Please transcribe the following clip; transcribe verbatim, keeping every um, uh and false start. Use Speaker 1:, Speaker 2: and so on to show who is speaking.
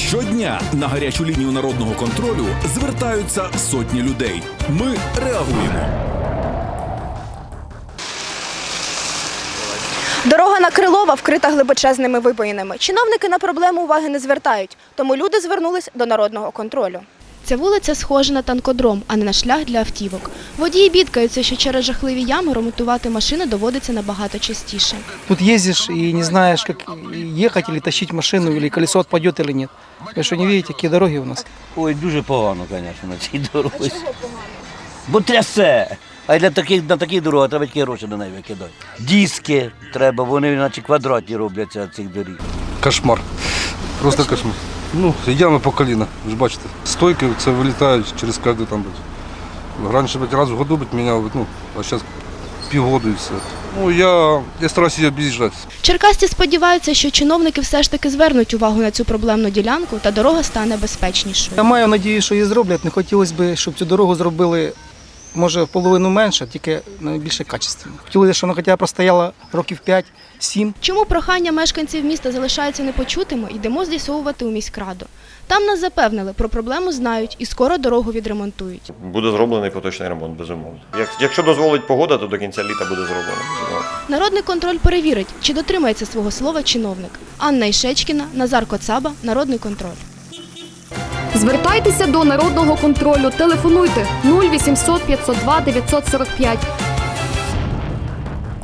Speaker 1: Щодня на гарячу лінію народного контролю звертаються сотні людей. Ми реагуємо.
Speaker 2: Дорога на Крилова вкрита глибочезними вибоїнами. Чиновники на проблему уваги не звертають, тому люди звернулись до народного контролю. Ця вулиця схожа на танкодром, а не на шлях для автівок. Водії бідкаються, що через жахливі ями ремонтувати машини доводиться набагато частіше.
Speaker 3: Тут ездишь и не знаешь, как ехать или тащить машину, или колесо отпадет или нет. Вы что, не видите, какие дороги у нас?
Speaker 4: Ой, дуже погано, звісно, на цій дорозі. Бо трясе. А для таких, на таких дорогах треба тільки гроші на неї викидати. Диски треба, вони наче квадратні робляться цих доріг.
Speaker 5: Кошмар. Просто кошмар. Ну, ями по коліна, ви ж бачите. Стойки це вилітають через кожен там. Раніше раз в году міняв, ну, а зараз півгоду і все. Ну, я, я стараюся її об'їжджати.
Speaker 2: Черкасці сподіваються, що чиновники все ж таки звернуть увагу на цю проблемну ділянку та дорога стане безпечнішою.
Speaker 3: Я маю надію, що її зроблять. Не хотілося б, щоб цю дорогу зробили, може, в половину менше, тільки найбільше качественно. Хотілося, щоб вона хоча б простояла років п'ять-сім.
Speaker 2: Чому прохання мешканців міста залишаються непочутими, йдемо з'ясовувати у міськраду. Там нас запевнили, про проблему знають і скоро дорогу відремонтують.
Speaker 6: Буде зроблений поточний ремонт, безумовно. Як, якщо дозволить погода, то до кінця літа буде зроблено, безумовно.
Speaker 2: Народний контроль перевірить, чи дотримається свого слова чиновник. Анна Ішечкіна, Назар Коцаба, Народний контроль.
Speaker 7: Звертайтеся до народного контролю. Телефонуйте нуль вісімсот п'ятсот два дев'ятсот сорок п'ять.